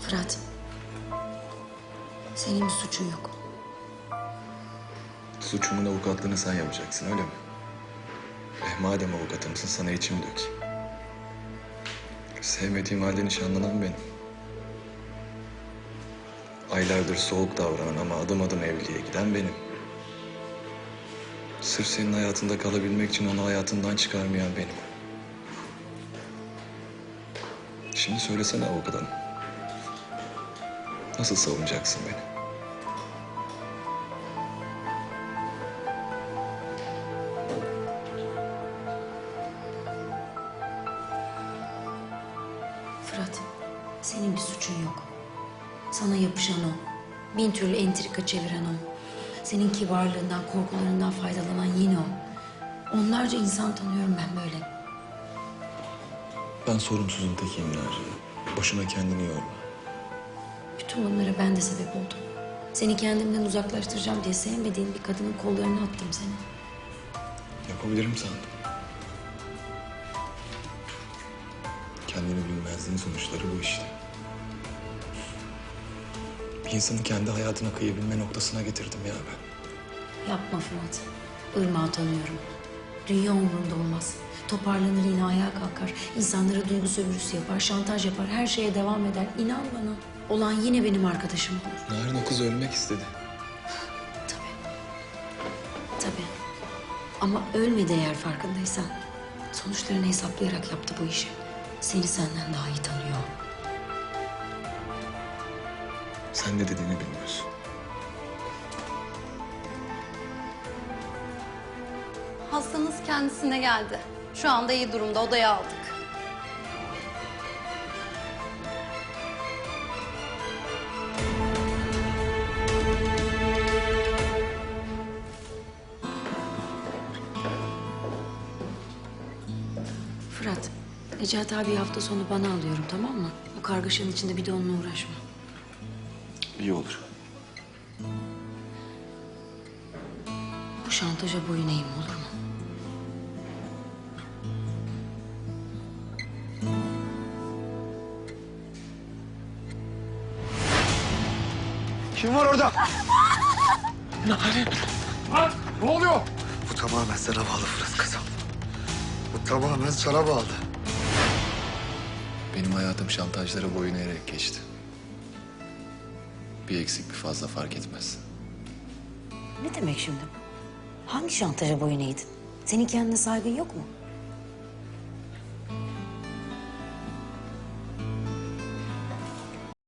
Fırat, senin bir suçun yok. Suçumun avukatlığını sen yapacaksın, öyle mi? Madem avukatımsın, sana içimi dökeyim. Sevmediğim halde nişanlanan benim. Aylardır soğuk davranan ama adım adım evliliğe giden benim. Sırf senin hayatında kalabilmek için onu hayatından çıkarmayan benim. Şimdi söylesene avukat hanım. Nasıl savunacaksın beni? Fırat, senin bir suçun yok. Sana yapışan o. Bin türlü entrika çeviren o. Senin kibarlığından, korkularından faydalanan yine o. Onlarca insan tanıyorum ben böyle. Ben sorumsuzun tekiyim Naciye. Boşuna kendini yorma. Bütün bunlara ben de sebep oldum. Seni kendimden uzaklaştıracağım diye sevmediğin bir kadının kollarına attım seni. Yapabilirim sandım. Kendini bilmezliğin sonuçları bu işte. Bir insanı kendi hayatına kıyabilme noktasına getirdim ya ben. Yapma Fırat. Irmak'ı tanıyorum. Dünya umurunda olmaz. Toparlanır yine ayağa kalkar. İnsanlara duygu sömürüsü yapar, şantaj yapar. Her şeye devam eder. İnan bana. Olan yine benim arkadaşım olur. Narin o kız ölmek istedi. Tabii. Tabii. Ama ölmedi eğer farkındaysan. Sonuçlarını hesaplayarak yaptı bu işi. Seni senden daha iyi tanıyor. Sen ne dediğini bilmiyorsun. Hastanız kendisine geldi. Şu anda iyi durumda, odaya aldık. Fırat, Necati abi hafta sonu bana alıyorum, tamam mı? Bu kargaşanın içinde bir de onunla uğraşma. İyi olur. Bu şantaja boyun eğme, olur mu? Kim var orada? Narin! Ne oluyor? Bu tamamen sana bağlı Fırat kızım. Bu tamamen sana bağlı. Benim hayatım şantajlara boyun eğerek geçti. Bir eksik bir fazla fark etmez. Ne demek şimdi? Hangi şantaja boyun eğdin? Senin kendine saygın yok mu?